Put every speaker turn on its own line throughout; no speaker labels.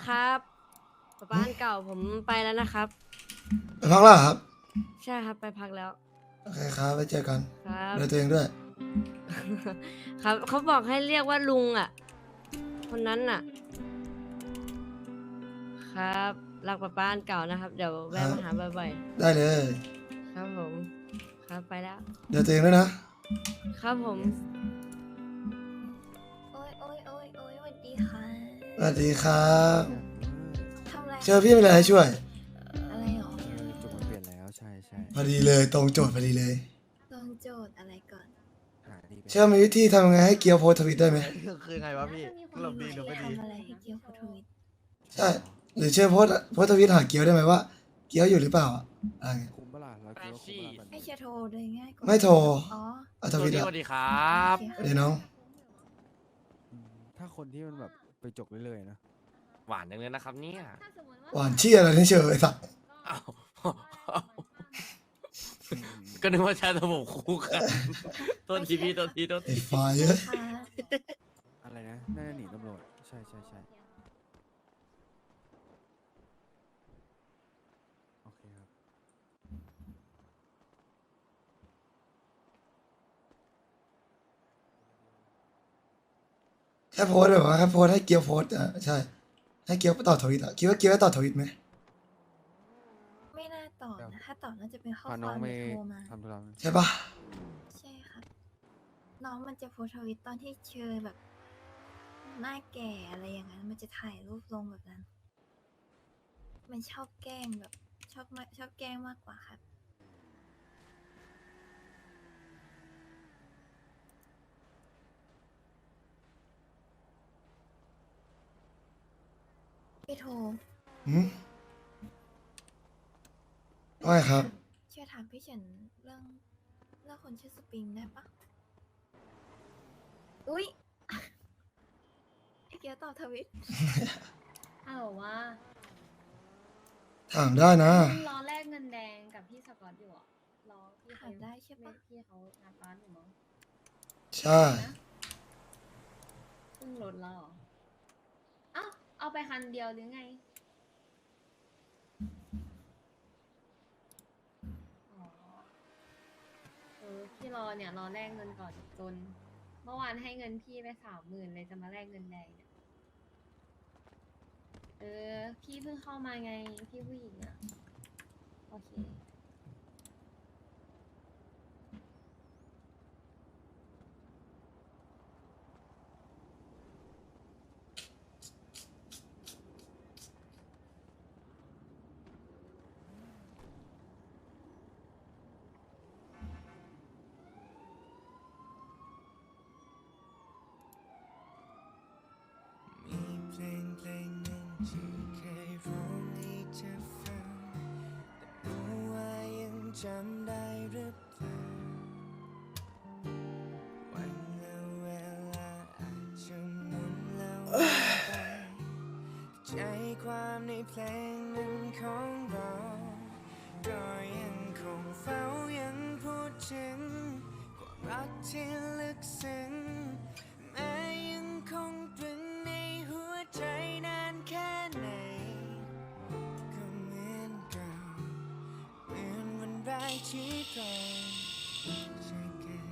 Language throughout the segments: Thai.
ครับป๊าบ้านเก่าผมไปแล้วนะครับ
ไปพักแล้วเหรอครับ
ใช่ครับไปพักแล้ว
โอเคครับไปเจอกัน
ครับ
ดูแลตัวเองด้วย
ครับเขาบอกให้เรียกว่าลุงอ่ะคนนั้นน่ะครับรักป๊าบ้านเก่านะครับเดี๋ยว
ครั
แวะ
บ
มาหาบ่อย
ได้เลย
ๆครับผมครับไปแล้ว
เดี๋ยวตัวเองด้วยนะ
ครับผม
โอ้ยโอ้ยโอ้ยโอ้ยสวัสดีค่ะ
สวัสดีครับ
ทำอะไร
เจอพี่มีอะไรให้ช่วย
อะไรหรอ
จุดมันเปลี่ยนแล้วใช่ใช่
พอดีเลยตรงโจทย์พอดีเลย
ลองโจทย์อะไรก่อน
หาดีไป
เชื่อมีวิธีทำยังไงให้เกียวโพสต์ทวิตได้ไหม
คือไงวะพี่หลบดีหรือไม่ดี
ทำอะไรให้เกียวโพทวิต
ใช่หรือเชื่อโพสต์ทวิตหาเกียวได้ไหมว่า เกียวอยู่หรือเปล่าอะอะไรเงี้ย
คุ้มเปล่าเราคิดว่าคุ้มเปล่า
ไม่เชียร์โทรเลยง่ายกว่า
ไม่โทร
อ๋อ
เอาทวิต
ส
อะ
วัสดีครับ
โอเค
เดี๋ยวน้อง
ถ้าคนที่มันแบบไปจกเรื่อยๆนะ
หวานจังเลยนะครับเนี่ย
หวานเชี่ยอะไรนี่เชยไอ้สัตว์
อ้าวก็นึกว่าชาตผมคู่กันโทษทีพี่โทษทีโทษ
ไอ้
ที
ไฟเอ้ย
ค่ะ
อะไรนะน่าจะหนีตำรวจใช่ใช่ใช่โอเคครับ
แค่โพสต์แบบว่าแค่โพสต์ให้เกียวโพสต์อะใช่ ให้เกียวไปต่อทวิตอะคิดว่าเกียวจะต่อทวิตไหม
ไม่น่าตอบนะถ้าตอบน่าจะเป็นข้อค
พาน้อ
วาง ม
ไป
หรือโทรมา
ทำธุระ
ใช่ปะ
ใช่ครับ น้องมันจะโพสต์ทวิตตอนที่เชอแบบ หน้าแก่อะไรอย่างนั้น มันจะถ่ายรูปลงแบบนั้น มันชอบแกล้งแบบชอบแกล้งมากกว่าครับ พี่โทร
หืมว่าไงครับ
เชื่อถามพี่เฉินเรื่องคนชื่อสปริงได้ปะอุ๊ย ไอเกียวตอบทวิต
ฮัลโหลว่า
ถามได้นะ
รอแลกเงินแดงกับพี่สกอตอยู่อ่ะรอพี่
ถามได้ใช่ปะ
พี่เขางัดร้านอยู่มั้ง
ใช่
นะเพิ่งลดแล้วเหรออ้าวเอาไปคันเดียวหรือไงอ๋อพี่รอเนี่ยรอแลกเงินก่อนจน เมื่อวานให้เงินพี่ไป30,000เลยจะมาแลกเงินแดงเนี่ยพี่เพิ่งเข้ามาไงพี่ผู้หญิงอ่ะโอเค
มีเพลงเพลงหนึ่งที่เคยร้องให้เธอฟังแต่รู้ว่ายังจำได้หรือเปล่าวันและเวลาอาจจะหมุนแล้วหมุนไปใจความในเพลงนั้นของเราก็ยังคงเฝ้ายังพูดถึงความรักที่ลึกซึ้งแม้ยังคงตรึงในหัวใจนานแค่ไหนก็เหมือนเก่าเหมือนวันแรกที่เราเจอกัน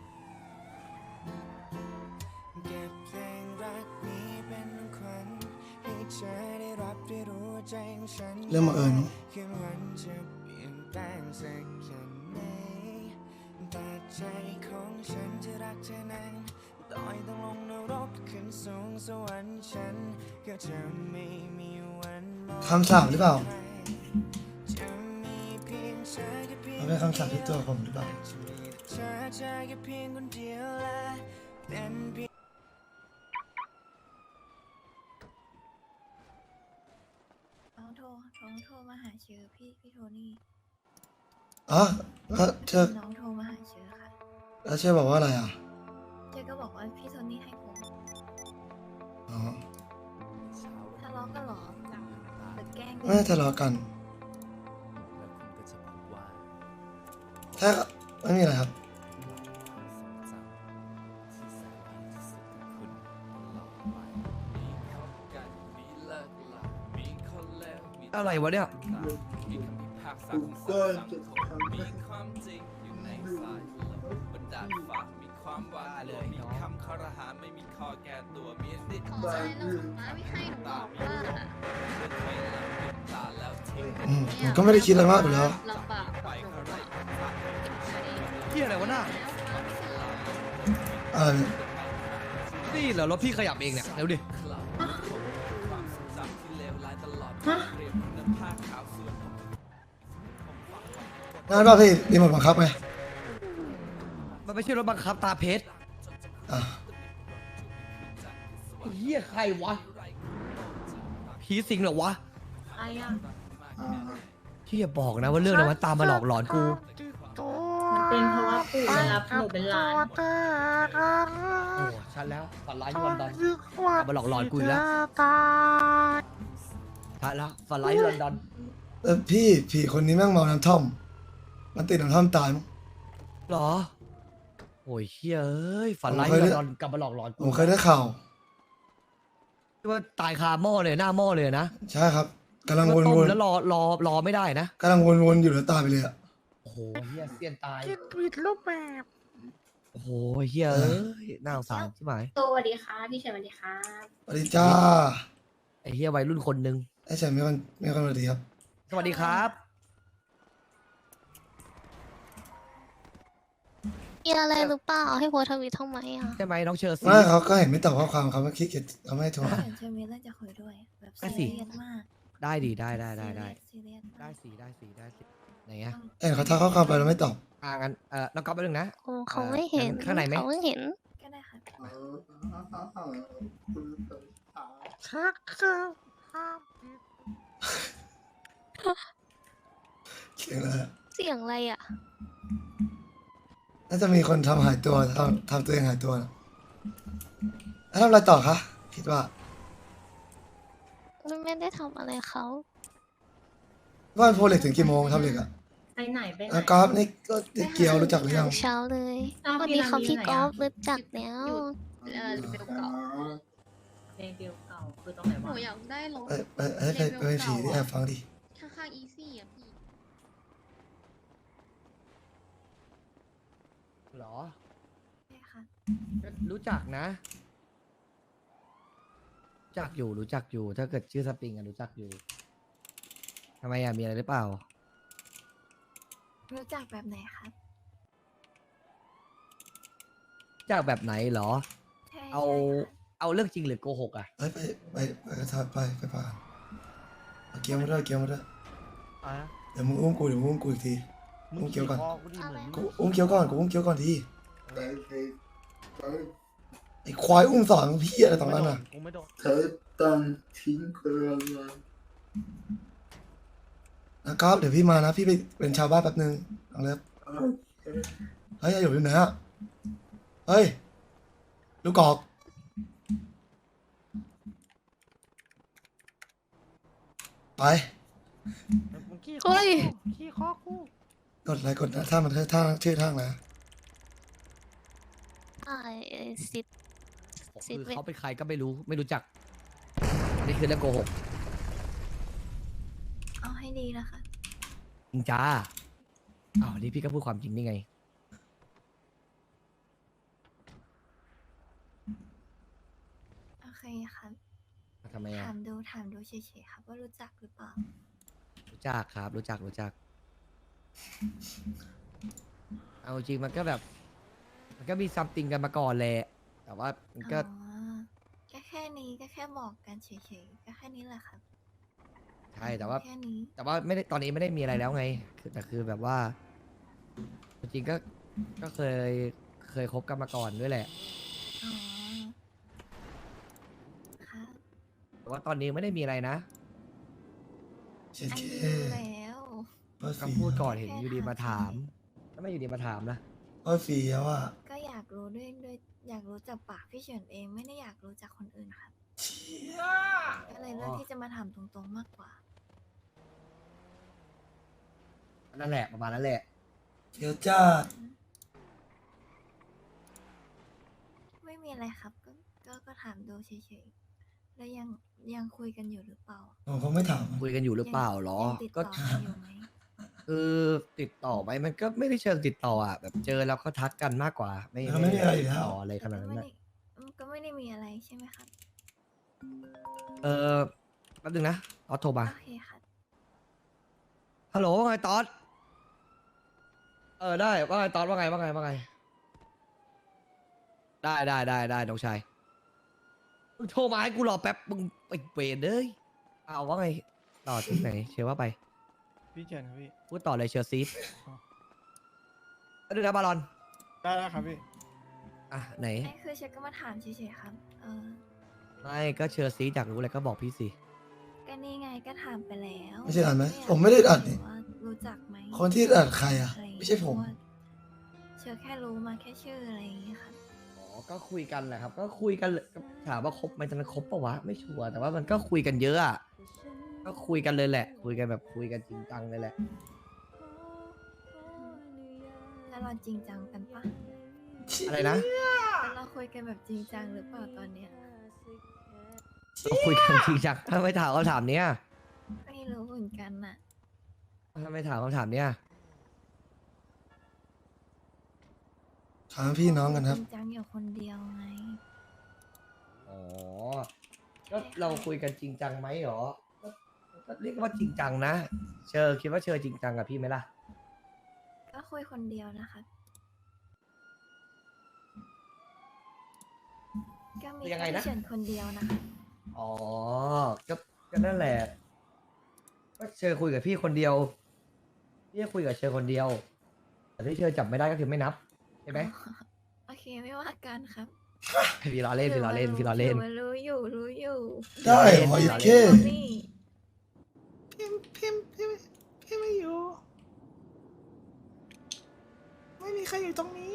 เก็บเพลงรักนี้เป็นขวัญให้เธอได้รับได้รู้ว่าใจของฉัน
เรื่องบังเอิญเนอะ
คืนวันจะเปลี่ยนแปลงสักแค่ไหนแต่ใจของฉันจะรักเธอนานต่อยต้องลงนรกขึ้นสูงสวรรค์ฉันก็จะไม่มีวันมอง
คำสาปหรือเปล่า
จะมีเพียงเธอแค่เพียง
มันเป็นคำสาปที่ตัวผมหรือเปล่า
จะมีแต่เธอแค่เพียงคนเดียวและเป็นเพียง
น้องโทรมาหาเชอพี่โทนี่
อ๋อแล้วเชอ
น้องโทรมาหาเชอค่ะ
แล้วเชอบอกว่าอะไรอ่ะ
เชอก็บอกว่าพี่โทนี่ให้ผม
อ๋อ
ทะเลาะกันเหรอหรือแกล้ง
ไม่ทะเลาะกัน
แล้วคุณก็จะพบว่า
ถ้าไม่มีอะไรครับ
ความทรงจำที่แสนดีที่สุดของคุณตลอดไปมีคบกันมีเลิกลา
อะไรวะเนี่ย
มีคำพิพากษาของศาลสังคมมีความจริงอยู่ในสายลมบนดาดฟ้ามีความหวาดกลัวมีคำคารหาไม่มีข้อแก้ตัวมีสิทธิ์
ขออะไรเราป้าไม่ให้หนูบอกว่า
เดินถอยหลังปิดตาแล้วทิ้ง
ผมก็ไม่ได้คิดอะไรมากอยู่แล้ว
ลำบากกับหนูอะ
เฮียอะไรวะน่า
อะไร
นี่เหรอรถพี่ขยับเองเนี่ยเร็วดิ
ความทรงจำที่เลวร้ายตลอดวันเรียนคุณภาพขาวสวยผม
งั้นป่ะพี่รีโมทบังคับไง
มันไม่ใช่รถบังคับตาเพชร
อ่ะ
เฮียใครวะผีสิงเหรอวะ
ใครอะ
ที่อย่าบอกนะว่าเรื่องนั้นมันตามมาหลอกหลอนกู
มันเป็นเพราะว่าปู่มารับหนูเป็นหลาน
โอ้ชัดแล้วฝันร้ายที่ลอนดอนตามมาหลอกหลอนกูอีกแล้วชัดแล้วฝันร้ายที่ลอนดอน
แล้วพี่ผีคนนี้แม่งเมาน้ำท่อม มันติดน้ำท่อมตายมั้ง
เหรอโอ้ยเฮียเอ้ยฝันร้ายที่ลอนดอนกลับมาหลอกหลอน
ผ
กู
มเคยได้ข่าว
ที่ว่าตายคาหม้อเลยหน้าหม้อเลยนะ
ใช่ครับกำลัง
แล้ว
ว
ต้ม
น
แล้วรอไม่ได้นะ
ๆกำลังวนๆอยู่แล้วตายไปเลยอ่ะ
โอ้โหเฮียเสี้ยนตาย
กินผิดรูปแบบ
โอ้โหเฮียเอ้ยน่าสงสารใช่ไหม
สวัสดีค่ะพี่เฉยสวัสดีครับ
สวัสดีจ้า
ไอเฮียวัยรุ่นคนหนึ่ง
ไอ้เฉยไม่คนสวัสดีครับ
สวัสดีครับ
มีอะไรหรือเปล่าให้โพสต์ทวิตทำไมอ่ะ
ใช่ไหมน้องเชอร์ซี
ไม่เขาก็เห็นไม่ตอบข้อความเขาไม่คิดเกียจเขาไม่ให้โทรหา
เห็นเชอร์มีเรื่องจะคุยด้วย แบบ
ได้
ซี
สิ
เรียสมาก
ได้ดีได้
ซีเรียส
ได้
มาก
สิไหนเงี้ย
เอ็นเขาทักข้อความไปแล้วไม่ตอบ
งั้นน้องก๊อฟไปหนึ่งนะ
โอ้เขาไม่เห็น
ข้างในไหม
เขาไม่เห็น
ก็ได้ค่ะ
ชักครับ
เขียนอะไรอะ
เสียงอะไรอ่ะ
น่าจะมีคนทำหายตัวทำตัวเองหายตัวนะแล้วทำอะไรต่อคะคิดว่า
ไม่ได้ทำอะไรเขา
ว่าโพเหล็กถึงกี่โมงทำเหล็กอ่ะ
ไปไหนไปไหน
แล้วกราฟนี่ก็เกียวรู้จักหรือยัง
เช้าเลย
อ้าว
วัน
พี่
นี้
รา
เขา
มี
พี่
ไหน
กอ
อะ
ล์ฟรู้จักแล้ว
เบลเก่าเพลงเบลเก่าคือตรงไหน
หนู
วะ
อยากได้รถ
ไปเป็นผีที่แอบฟังดิ
ข้างๆอีซี่อ่ะพี่
เหรอ
ใช่ค่ะ
รู้จักนะรู้จักอยู่ถ้าเกิดชื่อสปริงอะรู้จักอยู่ทำไมอะมีอะไรหรือเปล่า
รู้จักแบบไหนครับ
รู้จักแบบไหนเหรอ
ใช่
เอา
ใช่ค่ะ
เอาเรื่องจริงหรือโกหกอะ
เอ้ยไปพาเอาเกียวมาด้วยเดี๋ยวมึงอุ้มกูอีกที อุ้มเกียวก่อน
อะไร
กูอุ้มเกียวก่อนทีไอ้ควายอุ้มสอนพี่อะไรตรงนั้นอ่ะ
กูไม่โดน
เธอต้องทิ้งความรัก
นะครับเดี๋ยวพี่มานะพี่ไปเป็นชาวบ้านแป๊บนึงลองเลิฟเฮ้ยอยู่ที่ไหนอ่ะเฮ้ยลูกกอกไป
เฮ้ย
กดอะไรกดนะถ้ามันท่าชื่อท่าอะไร
ไอ้สิทธิ์
คือเขาเป็นใครก็ไม่รู้จักนี่คือเรื่องโกหก
เอาให้ดีนะคะ
จริงจ้าอ้าวนี่พี่ก็พูดความจริงนี่ไง
โอเคครับ
ทำไมอะ
ถามดูเฉยๆครับว่ารู้จักหรือเปล่า
รู้จักครับรู้จักเอาจริงมันก็แบบ มันก็มีซัมติงกันมาก่อนแหละแต่ว่ามันก็
อ๋อก็แค่นี้ก็แค่บอกกันเฉยๆก็แค่นี้แหละครับ
ใช่แต่ว่า
แค่นี้
แต่ว่าไม่ได้ตอนนี้ไม่ได้มีอะไรแล้วไงแต่คือแบบว่า จริงๆก็เคยคบกันมาก่อนด้วยแหละ
อ๋อค่ะ
แต่ว่าตอนนี้ไม่ได้มีอะไรนะ
เช็ด
อัน
เค
นี้รู้แล้ว
คำพูดก่อนเห็นอยู่ดีมาถามถ้าไม่อยู่ดีมาถามนะ
ก็ฟรีแล้วอ่ะ
ก็อยากรู้ด้วยอยากรู้จากปากพี่เฉินเองไม่ได้อยากรู้จากคนอื่นครับก็เลยเลือกที่จะมาถามตรงๆมากกว่า
นั่นแหละประมาณนั้นแหละ
เกียวจ้า
ไม่มีอะไรครับ ก็ถามดูเฉยแล้วยังคุยกันอยู่หรือเปล่า
ผมคงไม่ถาม
คุยกันอยู่หรือเปล่าหรอ
ยังติด
ก็
ต่อกันอยู่ไหม
คือติดต่อไหมมันก็ไม่ได้เชิงติดต่ออ่ะแบบเจอแล้วก็ทักกันมากกว่า ไม่
ไม่มีอะไรอยู่
ติ
แล้
ด
ว
ต่ออะไรขนาดนั้น
ไม่
นะ
ได้ก็ไม่ได้มีอะไรใช่ไหมครับ
แป๊บนึงนะตอสโทรมา
โอเคครับ
ฮัลโหลว่าไงตอสได้ว่าไงตอสว่าไงได้น้องชายมึงโทรมาให้กูรอแป๊บมึงไปเวรเลยเอาว่าไงต่อที่ไหนเชื่อว่าไป
พี่เชิญครับพี่
พูดต่อเลยเชอร์ซีฟ
อ๋อ
ดูนะบาลอน
ได้แล้วครับพี่
อ่ะไหน
ไม่คือเชฟก็มาถามเฉยๆครับ
ไม่ก็เชอร์ซีฟอยากรู้อะไรก็บอกพี่สิ
ก็นี่ไงก็ถามไปแล้ว
ไม่ใช่อัดไหม
ยาก
ผมไม่ได้อัดนี่
ว่ารู้จักไหม
คนที่อัดใครอ่ะ
อะไรอย่างเงี้ย
ไม่ใช่ผม
เพราะว่าเชฟแค่รู้มาแค่ชื่ออะไรอย่างเงี้ยครับ
อ๋อก็คุยกันแหละครับ ก็คุยกันเลยถามว่าคบไหมตอนนั้นคบปะวะไม่ชัวร์แต่ว่ามันก็คุยกันเยอะอ่ะก็คุยกันเลยแหละ คุยกันแบบคุยกันจริงจังเลยแหละ
แล้วเราจริงจังกันปะ
อะไรนะ
แล้วเราคุยกันแบบจริงจังหรือเปล่าตอนเนี้ย
ก็คุยกันจริงจังถ้าไม่ถามคำถามเนี้ย
ไม่รู้เหมือนกันน่ะ
ถ้าไม่ถามคำถามเนี้ย
ถามพี่น้องกันครับ
จริงจังอยู่คนเดียวไง
อ๋อก็เราคุยกันจริงจังไหมหรอก็เรียกว่าจริงจังนะเชอคิดว่าเชอจริงจังกับพี่ไหมล่ะ
ก็คุยคนเดียวนะคะก็มี
ยังไง
แค่
นะ
พี่เฉินคนเดียวนะคะ
อ๋อก็นั่นแหละก็เชอคุยกับพี่คนเดียวพี่ก็คุยกับเชอคนเดียว แต่ที่เชอจับไม่ได้ก็คือไม่นับใช่ไหม
โอเคไม่ว่ากันครับ
พี่ล้อเล่นพี่ล้อเล่นพี่ล้อเล่น
ถืว่ารู้อยู่
ได้หมอยิบเข้
นี่
พี่ไม่อยู่ ไม่มีใครอยู่ตรงนี้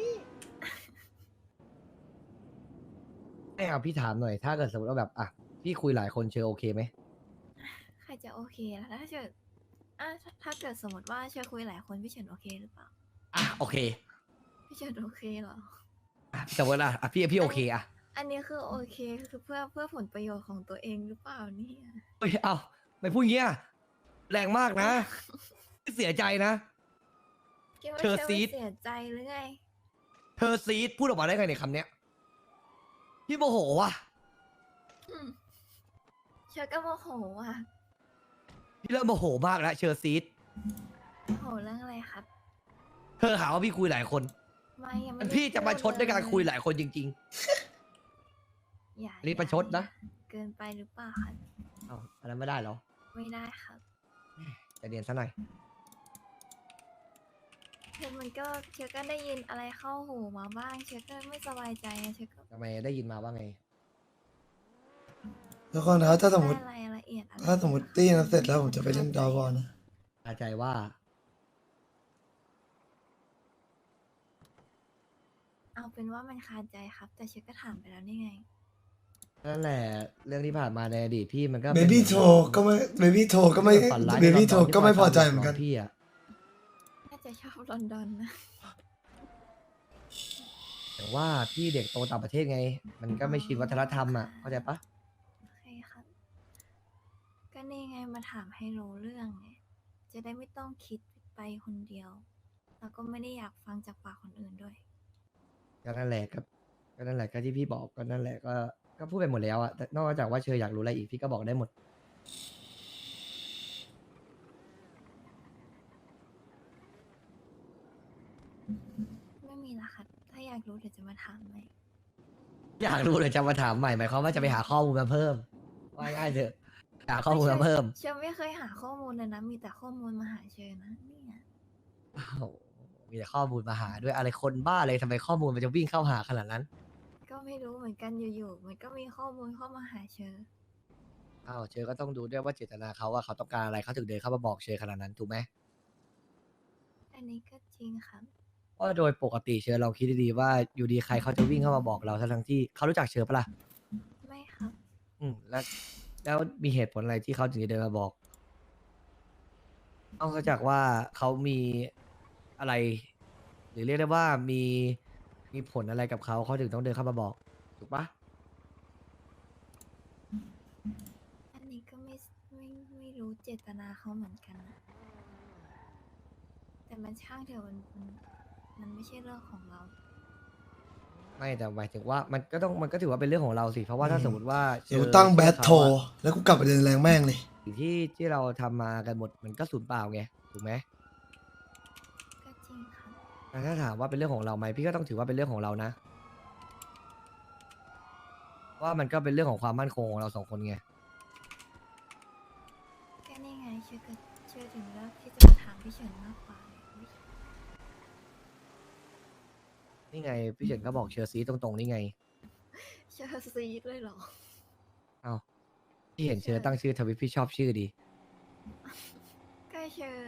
ให้เอาพี่ถามหน่อย ถ้าเกิดสมมติว่าแบบอ่ะพี่คุยหลายคนเชอโอเคไหม
ใครจะโอเคล่ะถ้าเกิดถ้าเกิดสมมติว่าเชื่อคุยหลายคนพี่เฉินโอเคหรือเปล่า
อ่ะโอเค
พี่เฉินโอเคเหรอ
อ่ะสมมติอ่ะพี่โอเคอ่ะ
อันนี้คือโอเคคือเพื่อผลประโยชน์ของตัวเองหรือเปล่าเนี่ย
เฮ้ยเอาไม่พูดอย่างเงี้ยแรงมากนะเสียใจนะ
คิดว่า
เธอ
เชื่อ
ซี
ไม่
ด
เสียใจหรือไง
เธอซีดพูดออกมาได้ไงในยคำเนี้ยพี่โมโหว่ะ
อืมเชื่อก็โมโหอ่ะ
พี่เริ่มโมโหมากแล้วเชอซีด
โมโหเรื่องอะไรครับ
เธอหาว่าพี่คุยหลายคน
ไม่ยังไม่
มัน
ได้
พี่จะมาชดด้วยการ
เล
คุยหลายคนจริง
อย่า
อันนี้ประชดนะ
เกินไปหรือเปล่าครับ
ๆเอาอันนั้นไม่ได้เหรอ
ไม่ได้ครับ
ใจะเรียนซะหน่อย
คือมันก็เชื่อก็ได้ยินอะไรเข้าหูมาบ้าง เชื่อก็ไม่สบายใจอะเชื่อก็
ทำไมได้ยินมาว่าไง
แล้วก็นะถ้าสมมติ
ได้รายละเอียดอะไร
ถ้าสมมติตีนั้นเสร็จแล้วผมจะไปเล่นดาวบอลนะ
อาใจว่า
เอาเป็นว่ามันคาใจครับ แต่เชื่อก็ถามไปแล้วนี่ไง
นั่นแหละ เรื่องที่ผ่านมาในอดีตพี่มันก็
เบบี้โทรก็ไม่เบบี้โทรก็ไม่
ฝันร้าย
เบบี้โทร
ใน
ก็ไม่
ต
พอใจเหมือนกัน
พี่อะ
น่าจะชอบลอนดอนนะ
แต่ว่าพี่เด็กโตต่างประเทศไง มันก็ไม่ชินวัฒนธรรมอ่ะ เข้าใจปะ
โอเคครับ ก็นี่ไงมาถามให้รู้เรื่องไง จะได้ไม่ต้องคิดไปคนเดียว แล้วก็ไม่ได้อยากฟังจากปากคนอื่นด้วย
ก็นั่นแหละก็นั่นแหละก็ที่พี่บอกก็นั่นแหละก็พูดไปหมดแล้วอะแต่นอกจากว่าเชยอยากรู้อะไรอีกพี่ก็บอกได้หมด
ไม่มีละครับ ถ้าอยากรู้เดี๋ยวจะมาถามไหม
อยากรู้เลยจะมาถามใหม่หมายความว่าจะไปหาข้อมูลมาเพิ่มว่าง่ายๆเถอะหาข้อมูลมาเพิ่ม
เชื่อไม่เคยหาข้อมูลเลยนะ มีแต่ข้อมูลมาหาเชยนะเนี่ย
อ้าวมีแต่ข้อมูลมาหาด้วยอะไรคนบ้าเลยทำไมข้อมูลมันจะวิ่งเข้าหาขนาดนั้น
ก็ไม่รู้เหมือนกันอยู่ๆ มันก็มีข้อมูลเข้ามาหาเชย
อ้าวเชยก็ต้องดูด้วยว่าเจตนาเขาว่าเขาต้องการอะไรเขาถึงเดินเข้ามาบอกเชยขนาดนั้นถูกไหม
อันนี้ก็จริงครับ
เพราะโดยปกติเชยเราคิดดีๆว่าอยู่ดีใครเขาจะวิ่งเข้ามาบอกเราทั้งที่เขารู้จักเชยปะล่ะ
ไม่ครับ
แล้วมีเหตุผลอะไรที่เขาถึงจะเดินมาบอกนอกจากว่าเขามีอะไร หรือเรียกได้ว่ามีผลอะไรกับเขาถึงต้องเดินเข้ามาบอกถูกปะ
เจตนาเขาเหมือนกันนะแต่มันช่างเถอะมันไม่ใช่เรื่องของเรา
ไม่แต่หมายถึงว่ามันก็ถือว่าเป็นเรื่องของเราสิเพราะว่าถ้าสมมติว่า
เดี๋ยวกูตั้งแบทโทรแล้วกูกลับไปเดินแรงแม่งเลย
สิ่งที่เราทำมากันหมดมันก็สูญเปล่าไงถูกไหม
ก็จริงครับ
แต่ถ้าถามว่าเป็นเรื่องของเราไหมพี่ก็ต้องถือว่าเป็นเรื่องของเรานะเพราะว่ามันก็เป็นเรื่องของความมั่นคงของเราสองคนไง
ก็นี่ไงเชื่อถึงแล้วที่จะมาถามพี่เฉินมากกว่าอุ๊ย
นี่ไงพี่เฉินก็บอกเชอร์ซีตรงๆนี่ไง
เชื่อซีดเลยเหรอ
เอาพี่เห็นเชอร์ตั้งชื่อทวิตพี่ชอบชื่อดี
ก็เชื่อ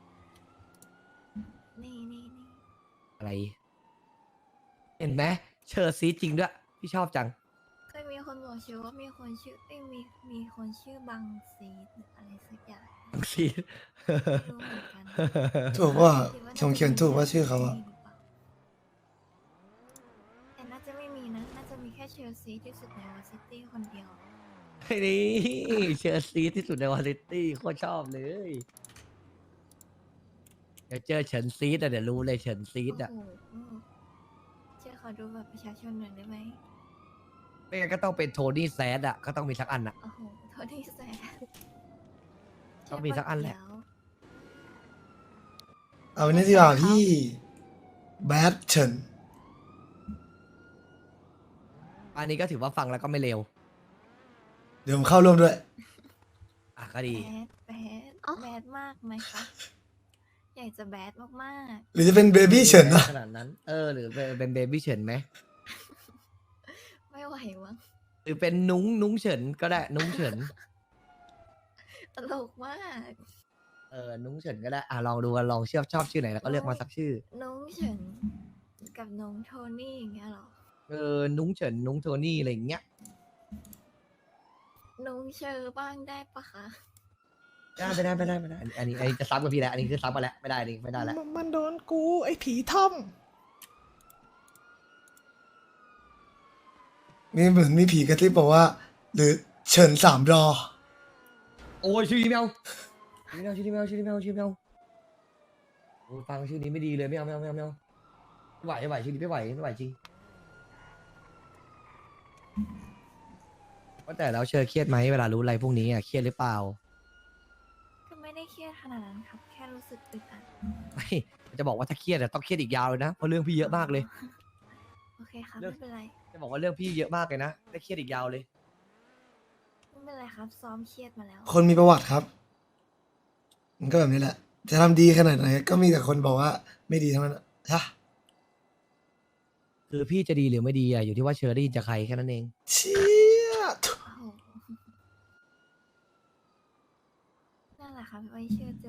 นี่
อะไร เห็นไหมเชอร์ซีจริงด้วยพี่ชอบจัง
เคยมีคนบอกเชื่อว่ามีคนชื่อมีคนชื่อบังซีดหรืออะไรสักอย่าง
บังซี
ไม่รู้เหมือนกัน
ถูกว่า
คิดว่า
ชงเขียนถูกว่าชื่อเขาอะ
แต่น่าจะไม่มีนะ น่าจะมีแค่เชลซีที่สุดในวอซิตี้คนเดียว
นี่เชอร์ซีที่สุดในวอซิตี้โคตรชอบเลย เดี๋ยวเจอเฉินซีดอะเดี๋ยวรู้เลยเฉินซีดอะ
โอ้โหเชื่อขอดูบัตรประชาชนหน่อยได้ไหม
ไม่งั้นก็ต้องเป็นโทนี่แซดอะก็ต้องมีสักอันอะ
โอ้โหโทษที่แสบ
ต้องมีสักอันแหละ
เอาวันนี้ดีกว่าพี่แบทเฉิน
อันนี้ก็ถือว่าฟังแล้วก็ไม่เลว
เดี๋ยวผมเข้าร่วมด้วย
อ่ะก็ดี
แบดมากไหมคะ อยากจะแบดมาก
หรือจะเป็นเบบี้เฉินนะ
ขนาดนั้น หรือเป็นเบบี้เฉินไหม
ๆ ไม่ไหวมั้ง
หรือเป็นนุ้งเฉินก็ได้นุ้งเฉิน
ตลกมาก
นุ้งเฉินก็ได้ ลองดูกันลองชอบชื่อไหนแล้วก็เลือกมาสักชื่อ
น้องเฉินกับน้องโทนี่อย่างเงี้ยเหรอ
นุ้งเฉินนุ้งโทนี่อะไรอย่างเงี้ย
น้องเชอร์บ้างได้ปะคะ
ไม่ได้อันนี้จะซ้ำกับพี่แล้วอันนี้คือซ้ำมาแล้วไม่ได้นี่ไม่ได้แล้ว
มันโดนกูไอ้ผีท่อม
มีเหมือนมีผีกระซิบบอกว่า หรือเฉินสามรอ
โอ้ยชื่อนี้ไม่เอาชื่อนี้ไม่เอาโอ้ยฟังชื่อนี้ไม่ดีเลยไม่เอาไม่ไหวชื่อนี้ไม่ไหวจริงว่าแต่แล้วเชอเครียดไหมเวลารู้อะไรพวกนี้เครียดหรือเปล่า
ก็ไม่ได้เครียดขนาดนั้นครับ แค่รู้สึกอึดอัด
ไม่จะบอกว่าถ้าเครียดต้องเครียดอีกยาวเลยนะเพราะเรื่องพี่เยอะมากเลย
โอเคครับ
เลิก
ไม่เป็นไร
จะบอกว่าเรื่องพี่เยอะมากเลยนะได้เครียดอีกยาวเลย
ไม่เป็นไรครับ ซ้อมเครียดมาแล้ว
คนมีประวัติครับ มันก็แบบนี้แหละ จะทำดีขนาดไหนก็มีแต่คนบอกว่าไม่ดีทั้งนั้นอะใช่
คือพี่จะดีหรือไม่ดีอยู่ที่ว่าเชอได้ยินจากใครแค่นั้นเอง
เชี่ย
โอ้โหนั่นแหละครับไว้เชื่อจะ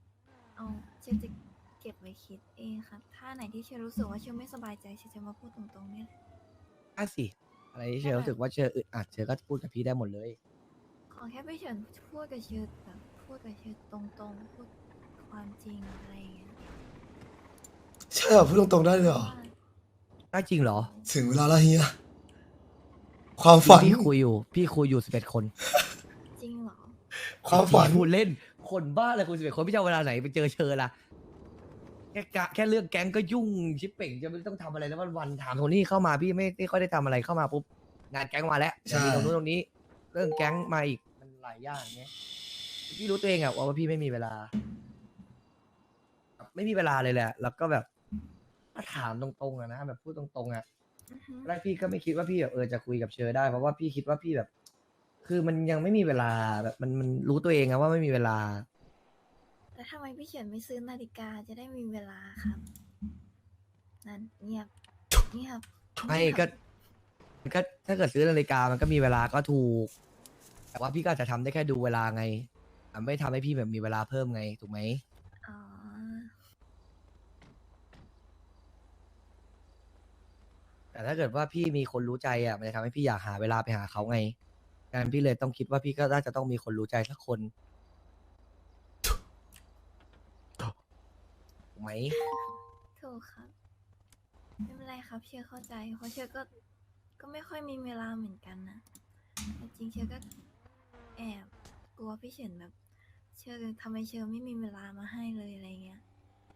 เก็บไว้คิดเองครับ ถ้าไหนที่เชื่อรู้สึกว่าเชื่อไม่สบายใจเชื่อจะมาพูดตรงๆเนี่ยแหละ
สิอะไรที่เชอรู้สึกว่าเชออึดอัดเชอก็พูดกับพี่ได้หมดเลย
ขอแค่พี่เฉินพูดกับเชื่อแบบพูดกับเชื่อตรงๆพูดความจริงอะไรอย่างเงี้ย
ใช่เหรอพูดตรงๆได้เลยเหรอ
ได้จริงเหรอ
ถึงเวลาแล้วเฮีย ความฝัน
พี่คุยอยู่11 คน
จริงเหรอ
ความฝัน
พูดเล่นคนบ้าเลยคุย11 คนพี่จะเอาเวลาไหนไปเจอเชอล่ะแค่เรื่องแก๊งก็ยุ่งชิปเป่งจะไม่ต้องทำอะไรแล้ววันถามโทนี่เข้ามาพี่ไม่ค่อยได้ทำอะไรเข้ามาปุ๊บงานแก๊งมาแล้ว
ใช่
เดี๋ยวมีตรงนู้นตรงนี้ เรื่องแก๊งมาอีกมันหลายอย่างเงี้ยพี่รู้ตัวเองว่าพี่ไม่มีเวลา ไม่มีเวลาเลยแหละ แล้วก็แบบถ้าถามตรงๆนะแบบพูดตรงๆ
อือฮึ
แรกพี่ก็ไม่คิดว่าพี่แบบจะคุยกับเชอได้เพราะว่าพี่คิดว่าพี่แบบ คือมันยังไม่มีเวลาแบบมันรู้ตัวเองว่าไม่มีเวลา
แล้วทำไมพี่เฉินไม่ซื้อนาฬิกาจะได้มีเวลาครับ นั่นเงียบ
ไม่
เงียบ
ก็ถ้าเกิดซื้อนาฬิกามันก็มีเวลาก็ถูก แต่ว่าพี่ก็อาจจะทำได้แค่ดูเวลาไงไม่ทำให้พี่แบบมีเวลาเพิ่มไงถูกไหม
อ๋อ
แต่ถ้าเกิดว่าพี่มีคนรู้ใจมันจะทำให้พี่อยากหาเวลาไปหาเขาไงการพี่เลยต้องคิดว่าพี่ก็น่าจะต้องมีคนรู้ใจสักคนถูกไหม
ถูกครับ ไม่เป็นไรครับ เชื่อเข้าใจ เพราะเชื่อก็ไม่ค่อยมีเวลาเหมือนกันนะแต่จริงเชื่อก็แอบกลัวพี่เฉินแบบเชอทำไมเชอไม่มีเวลามาให้เลยอะไรเงี้ย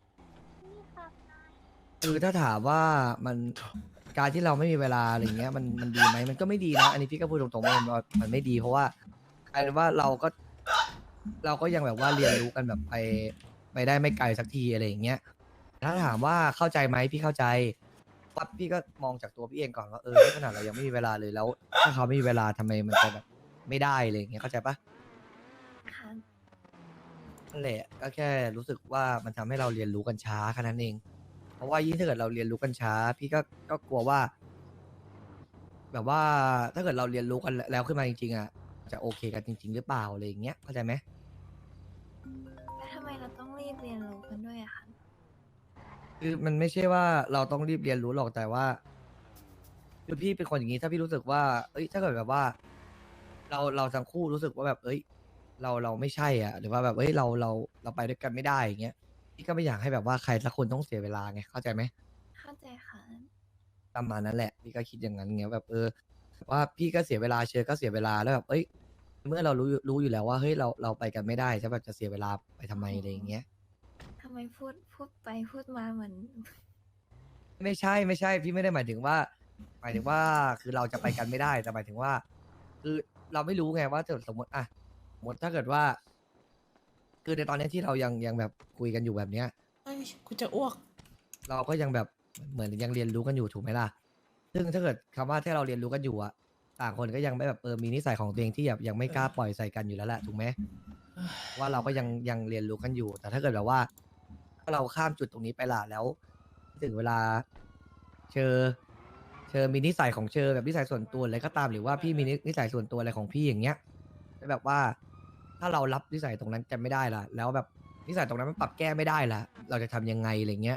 คือถ้าถามว่ามันการที่เราไม่มีเวลาอะไรเงี้ยมันดีไหมมันก็ไม่ดีนะอันนี้พี่ก็พูดตรงๆว่ามันไม่ดี เพราะว่ากลายเป็นว่าเราก็ยังแบบว่าเรียนรู้กันแบบไปได้ไม่ไกลสักทีอะไรอย่างเงี้ยถ้าถามว่าเข้าใจไหมพี่เข้าใจปั๊บพี่ก็มองจากตัวพี่เองก่อนว่าขนาดเรายังไม่มีเวลาเลยแล้วถ้าเขาไม่มีเวลาทำไมมันจะแบบไม่ได้อะไรอย่างเงี้ยเข้าใจปะ
ค่ะ
นั่นแหละก็แค่รู้สึกว่ามันทำให้เราเรียนรู้กันช้าแค่นั้นเอง เพราะว่ายิ่งถ้าเกิดเราเรียนรู้กันช้า พี่ก็กลัวว่า แบบว่าถ้าเกิดเราเรียนรู้กันแล้วขึ้นมาจริงๆอ่ะจะโอเคกันจริง ๆ หรือเปล่าอะไรอย่างเงี้ยเข้าใจไหม
แล้วทำไมเราต้องรีบเรียนรู้กันด้วยอะคะ
คือมันไม่ใช่ว่าเราต้องรีบเรียนรู้หรอกแต่ว่าคือพี่เป็นคนอย่างนี้ถ้าพี่รู้สึกว่าถ้าเกิดแบบว่า เราทั้งคู่รู้สึกว่าแบบเราไม่ใช่อ่ะ หรือว่าแบบเราไปด้วยกันไม่ได้อย่างเงี้ยพี่ก็ไม่อยากให้แบบว่าใครสักคนต้องเสียเวลาไงเข้าใจไหม
เข้าใจค่ะ
ประมาณนั้นแหละพี่ก็คิดอย่างนั้นเงี้ยแบบว่าพี่ก็เสียเวลาเชอก็เสียเวลาแล้วแบบเมื่อเรารู้อยู่แล้วว่าเฮ้ยเราไปกันไม่ได้จะแบบจะเสียเวลาไปทำไมอะไรอย่างเงี้ย
ทำไมพูดไปพูดมาเหมือน
ไม่ใช่พี่ไม่ได้หมายถึงว่าคือเราจะไปกันไม่ได้แต่หมายถึงว่า คือเราไม่รู้ไงว่าถ้าสมมติถ้าเกิดว่า คือในตอนนี้ที่เรายังแบบคุยกันอยู่แบบเนี้ย
เอ้ยกูจะอ้วก
เราก็ยังแบบเหมือนยังเรียนรู้กันอยู่ถูกไหมล่ะ ซึ่งถ้าเกิดคำว่าที่เราเรียนรู้กันอยู่อะต่างคนก็ยังไม่แบบมีนิสัยของตัวเองที่แบบยังไม่กล้าปล่อยใส่กันอยู่แล้วแหละถูกไหมว่าเราก็ยังเรียนรู้กันอยู่ แต่ถ้าเกิดแบบว่าถ้าเราข้ามจุดตรงนี้ไปล่ะแล้ว ถึงเวลาเชอมีนิสัยของเชอแบบนิสัยส่วนตัวอะไรก็ตามหรือว่าพี่มีนิสัยส่วนตัวอะไรของพี่อย่างเงี้ยแล้วแบบว่า ถ้าเรารับนิสัยตรงนั้นกันไม่ได้ล่ะ แล้วแบบนิสัยตรงนั้นมันปรับแก้ไม่ได้ล่ะ เราจะทำยังไงอะไรเงี้ย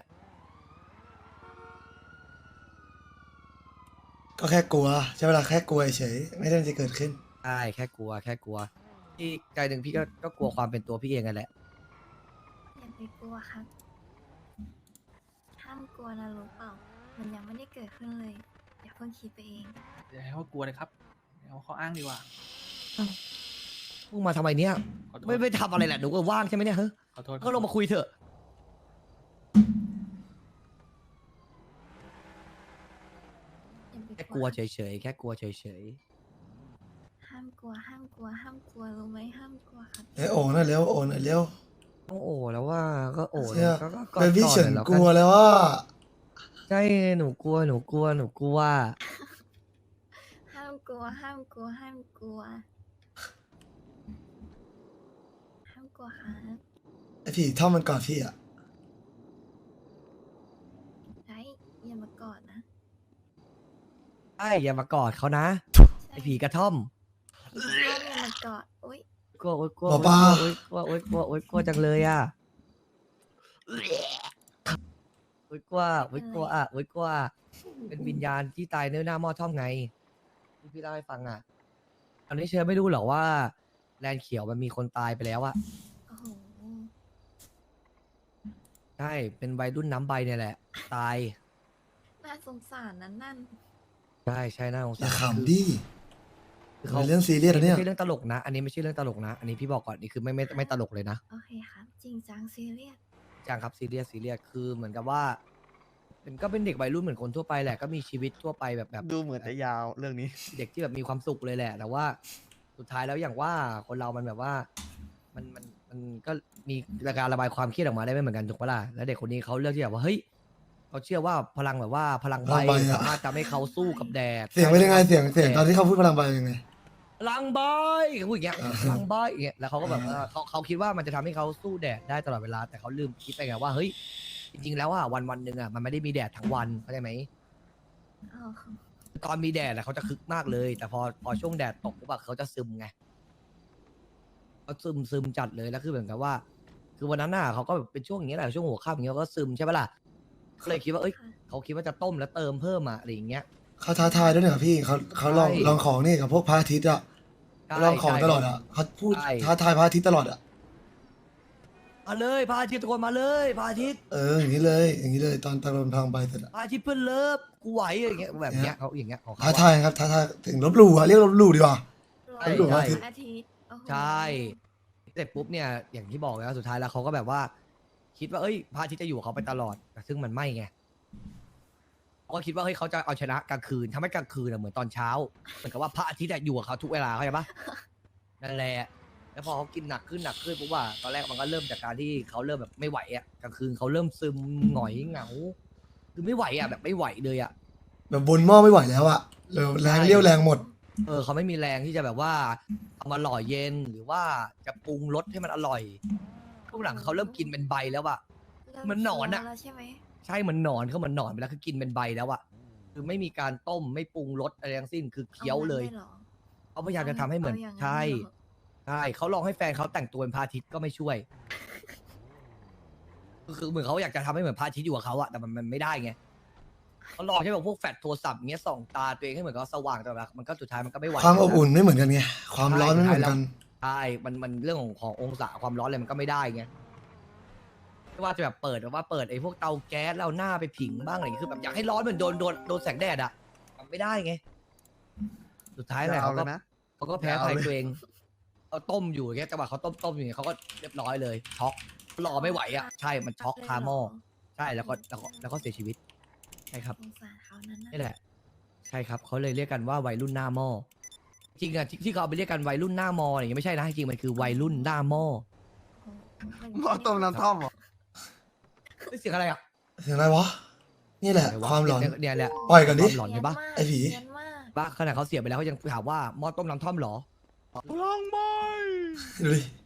ก็แค่กลัวใช่เวลาแค่กลัวเฉยไม่ได้จะเกิดขึ้น
ใช่แค่กลัวที่ใจหนึ่งพี่ก็กลัวความเป็นตัวพี่เองกันแหละ
อย่าไปกลัวครับ ห้ามกลัวนะรู้เปล่า มันยังไม่ได้เกิดขึ้นเลย อย่าเพิ่งคิดไปเอง
อย่าให้เขากลัวเลยครับเอาเขาอ้างดีกว่า
มึงมาทำไมเนี่ย
ขอโทษ
ไม่ทำอะไรแหละหนูก็ว่างใช่ไหมเนี่ยเฮ้ย
ขอโทษ
ก็ลงมาคุยเถอะ
อย่าไป
แค่กลัวเฉยๆแค่กลัวเฉย
ห้ามกลัว ห้ามกลัว ห้ามกลัวรู้ไหมห้ามกลัวครับ
โอ้หน่อยเร็วโอ้หน่อยเร็ว
ๆต้องโอ้แล้วว่าก็โอ้
เชื่อ
ก็
เป็นพี่เฉิน
หน่อย
กลัวแล้วว่า
ใช่หนูกลัว
ห้ามกลัว ห้ามกลัว ห้ามกลัว ห้ามกลัวครับ
ไอผีท่อมมันกอดพี่อ่ะ
ไอ้อย่ามากอดนะ
ใช่อย่ามากอดเขานะไอผีกระท่อม
ถ้าอย่ามากอดอุ้ย
กลัว
หมอปลา
กลัวจังเลยอ่ะกลัวเป็นวิญญาณที่ตายเนื้อหน้าหม้อท่อมไงที่พี่เล่าให้ฟังอ่ะตอนนี้เชื่อไม่รู้หรอว่าแลนด์เขียวมันมีคนตายไปแล้วอ่ะ
โอ้โห
ใช่เป็นวัยรุ่นน้ำใบเนี่ยแหละ ตาย
น่าสงสารนั้นนั่น
ใช่น่าสง
อย่า
สาร
ขำดิ
คือ
เป็นเรื่องซีเรียสนะเนี่ย
ไม่ใช่เรื่องตลกนะ อันนี้ไม่ใช่เรื่องตลกนะ อันนี้พี่บอกก่อนนี่คือไม่ตลกเลยนะ
โอเคครับ จริงจังซีเรียส
จังครับซีเรียสคือเหมือนกับว่าก็เป็นเด็กวัยรุ่นเหมือนคนทั่วไปแหละก็มีชีวิตทั่วไปแบบ
ดูเหมือนจะยาวเรื่องนี้
เด็กที่แบบมีความสุขเลยแหละ แต่ว่าสุดท้ายแล้วอย่างว่าคนเรามันแบบว่ามันก็มีการระบายความเครียดออกมาได้ไม่เหมือนกันถูกปะล่ะแล้วเด็กคนนี้เขาเลือกที่แบบว่าเฮ้ยเขาเชื่อว่าพลังแบบว่าพลังใบ
พลังใบอะ
สามารถทำให้เขาสู้กับแดด
เสียงเป็นยังไงเสียงตอนที่เขาพูดพลังใบยังไง
พลังใบเขาพูดอย่างเงี้ยพลังใบอย่างเงี้ยแล้วเขาก็แบบว่าเขาคิดว่ามันจะทำให้เขาสู้แดดได้ตลอดเวลาแต่เขาลืมคิดไปไงว่าเฮ้ยจริงๆแล้วอ่ะวันหนึ่งอ่ะมันไม่ได้มีแดดทั้งวันเข้าใจไหม
อ๋อ
ตอนมีแดดอะเขาจะคึกมากเลย แต่พอช่วงแดดตกปุ๊บอะเขาจะซึมไงเขาซึมจัดเลยแล้วคือเหมือนกับว่า คือวันนั้นน่ะเขาก็แบบเป็นช่วงอย่างเงี้ยแหละช่วงหัวค่ำอย่างเงี้ยเขาก็ซึมใช่ปะล่ะก็เลยคิดว่าเขาคิดว่าจะต้มแล้วเติมเพิ่มอะอะไรอย่างเงี้ย
เขาท้าทายด้วยเนี่ยพี่เขาลอง
ใช่
ลองของนี่กับพวกพระอาทิตย์อ่ะ
ใช่
ลองของตลอดอ่ะเขาพูด
ใช่
ท้าทายพระอาทิตย์ตลอดอ่ะ
มาเลยพระอาทิตย์ทุกคนมาเลยพระอาทิตย์
อย่างนี้เลยตอนโดนพลังใบเสร็จอ่ะ
พระอาทิตย์เพื่อนเลิฟกูไหวอย่างเงี้ยแบบเนี้ยเขาอย่างเงี้ยของเขา
ท้า
อะ
ทายครับท้าทายถึงลบหลู่อ่ะเรียกลบหลู่ดีกว่า
ใช่
ลบหลู่
ใช่
พระอาทิตย์
อาทิตย์โอ้โห
ใช่เสร็จปุ๊บเนี่ยอย่างที่บอกแล้วสุดท้ายแล้วเขาก็แบบว่า คิดว่าเอ้ยพระอาทิตย์จะอยู่กับเขาไปตลอดแต่ซึ่งมันไม่ไงเขาก็คิดว่าเฮ้ยเขาจะเอาชนะกลางคืนทำให้กลางคืนเหมือนตอนเช้าเหมือนกับว่าพระอาทิตย์อยู่กับเขาทุกเวลาเข้าใจปะนั่นแหละแล้วพอเขากินหนักขึ้นปุ๊บว่าตอนแรกมันก็เริ่มจากการที่เขาเริ่มแบบไม่ไหวอ่ะกลางคืนเขาเริ่มซึมหงอยเหงาคือไม่ไหวอ่ะแบบไม่ไหวเลยอ่ะ
แบบบนหม้อไม่ไหวแล้วอะแรงเลี้ยวแรงหมด
เขาไม่มีแรงที่จะแบบว่าเอามาหล่อเย็นหรือว่าจะปรุงรสให้มันอร่อยช่วงหลังเขาเริ่มกินเป็นใบแล้วอะ
เริ่
เหมือนหนอนอะ
เคี้ยวแล้วใช่ไหม
ใช่เหมือนหนอนเขาเหมือนหนอนไปแล้วคือกินเป็นใบแล้วอะคือไม่มีการต้มไม่ปรุงรสอะไรทั้งสิ้นคือเคี้ยวเลย
อางั้นหรอ
เขาพยายามจะทำให้เหมือน
เอาอย่างนั้น
ใช่
เลยเหรอ
ใช่เขาลองให้แฟนเขาแต่งตัวเป็นพระอาทิตย์ก็ไม่ช่วย คือเหมือนเขาอยากจะทำให้เหมือนพระอาทิตย์อยู่กับเขาอะแต่มันไม่ได้ไงเขาลองใช้แบบพวกแฟลชโทรศัพท์เงี้ยส่องตาตัวเองให้เหมือนกับสว่างแต่แบบมันก็สุดท้ายมันก็ไม่ไหว
ความอบอุ่นไม่เหมือนกันไงความร้อนไม่เหมือนกัน
ใช่มันเรื่องขององศาความร้อนอะไรมันก็ไม่ได้ไงไม่ว่าจะแบบเปิดไอ้พวกเตาแก๊สแล้วหน้าไปผิงบ้างอะไรอย่างเงี้ยคือแบบอยากให้ร้อนเหมือนโดนแสงแดดอะทำไม่ได้ไงสุดท้ายแหละเขาก็แพ้ภัยตัวเองเขาต้มอยู่อย่างเงี้ยจังหวะเขาต้มอยู่อย่างเงี้ยเขาก็เรียบร้อยเลยช็อกรอไม่ไหวอ่ะใช่มันช็อกคาหม้อใช่แล้วก็เสียชีวิตใช่ครับ
สงสารเขานั้นนะ
นี่แหละ ใช่ครับเขาเลยเรียกกันว่าวัยรุ่นหน้าหม้อจริงอ่ะที่เขาเอาไปเรียกกันวัยรุ่นหน้าหม้ออะไรอย่างเงี้ยไม่ใช่นะจริงๆมันคือวัยรุ่นหน้าหม้อ
หม้อต้มน้ำท่อม
เสียงอะไรอ่ะ
เสียงอะไรวะ นี่แหละ ความหลอน
เนี่ยแหละ
ปล่อยกันดิ
ความหลอนเห็นปะ
ไอ้ผี
เนียนมาก
บ้าขนาดเขาเสียไปแล้วเขายังถามว่าหม้อต้มน้ำท่อมเหรอ
ดูดิ